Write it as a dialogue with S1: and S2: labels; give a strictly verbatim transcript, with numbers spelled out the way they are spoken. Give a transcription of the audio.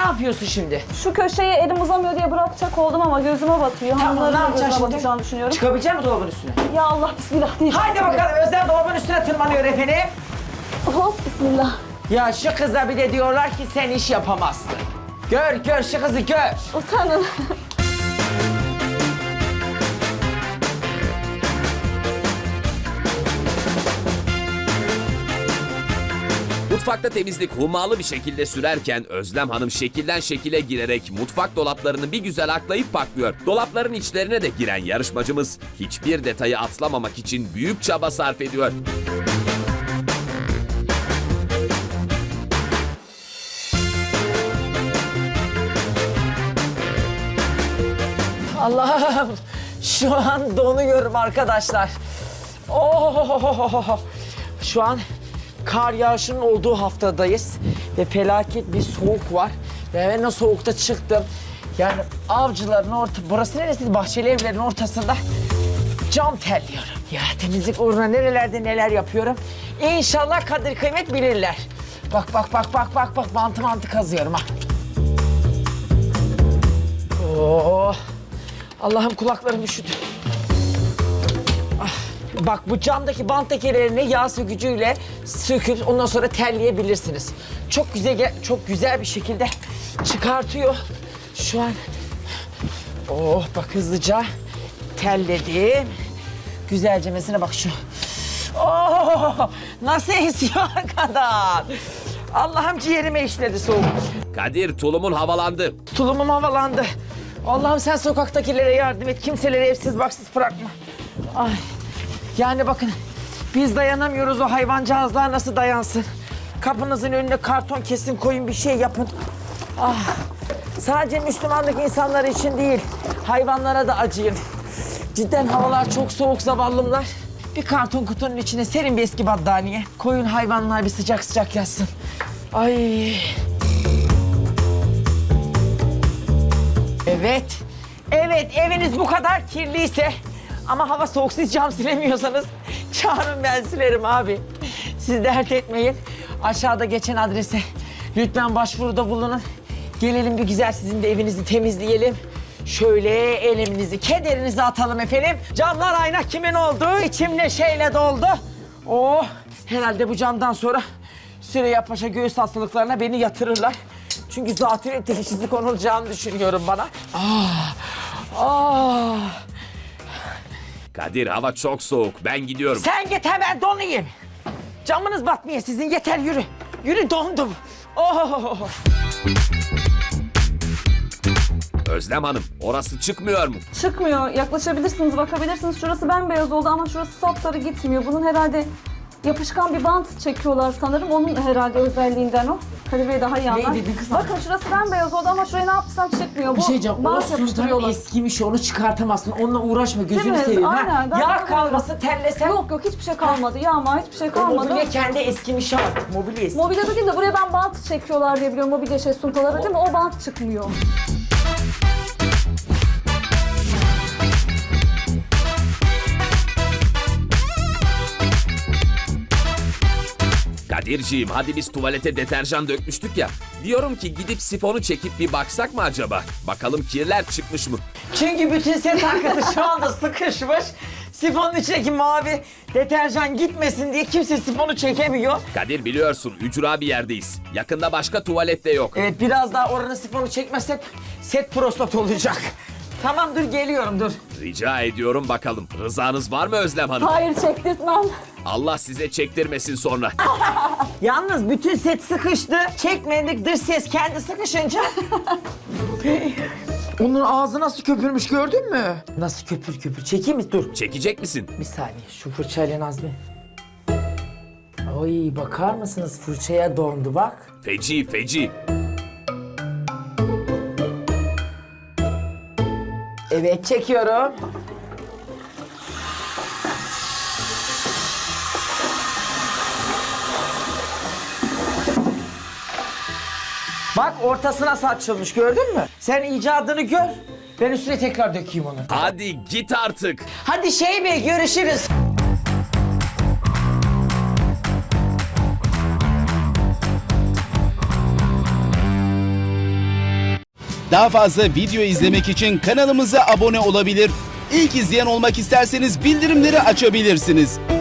S1: yapıyorsun şimdi?
S2: Şu köşeye elim uzamıyor diye bırakacak oldum ama gözüme batıyor.
S1: Tamam, ne
S2: Hanımların da
S1: yapacaksın
S2: gözüme
S1: şimdi?
S2: batacağını düşünüyorum.
S1: Çıkabilecek misin dolabın üstüne?
S2: Ya Allah bismillah diyeceğim.
S1: Haydi bakalım, Özlem dolabın üstüne tırmanıyor efendim.
S2: Hop bismillah.
S1: Ya şu kıza bir de diyorlar ki sen iş yapamazsın. Gör gör şu kızı gör.
S2: Utanın.
S3: Mutfakta temizlik hummalı bir şekilde sürerken Özlem Hanım şekilden şekile girerek mutfak dolaplarını bir güzel aklayıp paklıyor. Dolapların içlerine de giren yarışmacımız hiçbir detayı atlamamak için büyük çaba sarf ediyor.
S1: Allah'ım şu an donuyorum arkadaşlar. Oh, şu an kar yağışının olduğu haftadayız ve felaket bir soğuk var. Ve ben o soğukta çıktım. Yani avcıların orta, burası neresi? Bahçeli evlerin ortasında cam terliyorum. Ya temizlik uğruna nerelerde neler yapıyorum. İnşallah kadir kıymet bilirler. Bak bak bak bak bak bak mantı mantı kazıyorum ha. Oh. Allah'ım kulaklarım üşüdü. Ah, bak bu camdaki bant lekelerini yağ sökücüyle söküp ondan sonra terleyebilirsiniz. Çok güzel çok güzel bir şekilde çıkartıyor. Şu an oh bak hızlıca terledim. Güzelce mesela bak şu. Oh nasıl esiyor arkadan. Allah'ım ciğerime işledi soğuk.
S3: Kadir tulumun havalandı.
S1: Tulumum havalandı. Allah'ım sen sokaktakilere yardım et. Kimseleri evsiz baksız bırakma. Ay. Yani bakın biz dayanamıyoruz, o hayvancağızlar nasıl dayansın? Kapınızın önüne karton kesin koyun, bir şey yapın. Ah. Sadece Müslümanlık insanları için değil, hayvanlara da acıyın. Cidden havalar çok soğuk zavallımlar. Bir karton kutunun içine serin bir eski battaniye. Koyun hayvanlar bir sıcak sıcak yatsın. Ay. Evet. Evet, eviniz bu kadar kirliyse ama hava soğuk, siz cam silemiyorsanız çağırın, ben silerim abi. Siz dert etmeyin. Aşağıda geçen adrese lütfen başvuruda bulunun. Gelelim bir güzel sizin de evinizi temizleyelim. Şöyle eleminizi, kederinizi atalım efendim. Camlar ayna kimin oldu? İçim neşeyle doldu. Oh, herhalde bu camdan sonra Süreyya Paşa göğüs hastalıklarına beni yatırırlar. Çünkü zatürre teşhisi konulacağını düşünüyorum bana. Ah, ah.
S3: Kadir hava çok soğuk, ben gidiyorum.
S1: Sen git hemen donayım. Camınız batmıyor sizin, yeter yürü. Yürü, dondum. Oh.
S3: Özlem Hanım, orası çıkmıyor mu?
S2: Çıkmıyor. Yaklaşabilirsiniz, bakabilirsiniz. Şurası bembeyaz oldu ama şurası sapsarı gitmiyor. Bunun herhalde yapışkan bir bant çekiyorlar sanırım. Onun herhalde özelliğinden o. Kadir Bey daha iyi anlar.
S1: dedin kızım?
S2: Bakın şurası bembeyaz oldu ama şuraya ne yaptıysam çıkmıyor.
S1: Bir
S2: Bu
S1: şey diyeceğim, o
S2: bant
S1: sultan
S2: yapıştırıyorlar.
S1: eskimiş, onu çıkartamazsın. Onunla uğraşma, gözünü
S2: Değil mi?
S1: seveyim.
S2: Aynen,
S1: Ha?
S2: ben
S1: Yağ
S2: bakıyorum.
S1: kalması, terlesen.
S2: Yok yok hiçbir şey kalmadı. Yağma hiçbir şey
S1: O
S2: kalmadı.
S1: mobilya kendi eskimiş artık, mobilya eski.
S2: Mobilyada değil de buraya ben bant çekiyorlar diye biliyorum. Mobilya şey suntaları değil mi? O bant çıkmıyor.
S3: Kadirciğim hadi biz tuvalete deterjan dökmüştük ya. Diyorum ki gidip sifonu çekip bir baksak mı acaba? Bakalım kirler çıkmış mı?
S1: Çünkü bütün set arkası şu anda sıkışmış. Sifonun içindeki mavi deterjan gitmesin diye kimse sifonu çekemiyor.
S3: Kadir biliyorsun ücra bir yerdeyiz. Yakında başka tuvalet de yok.
S1: Evet, biraz daha oranın sifonu çekmezsek set prostat olacak. Tamam, dur geliyorum, dur.
S3: Rica ediyorum bakalım. Rızanız var mı Özlem Hanım?
S2: Hayır çektirtmem.
S3: Allah size çektirmesin sonra.
S1: Yalnız bütün set sıkıştı. Çekmedik, dış ses kendi sıkışınca. Onun ağzı nasıl köpürmüş, gördün mü? Nasıl köpür köpür. Çekeyim mi? Dur.
S3: Çekecek misin?
S1: Bir saniye, şu fırçayla Nazmi. Ay, bakar mısınız, fırçaya dondu bak.
S3: Feci feci.
S1: Evet, çekiyorum. Bak ortasına saçılmış, gördün mü? Sen icadını gör. Ben üstüne tekrar dökeyim onu.
S3: Hadi git artık.
S1: Hadi şey bey, görüşürüz.
S4: Daha fazla video izlemek için kanalımıza abone olabilir. İlk izleyen olmak isterseniz bildirimleri açabilirsiniz.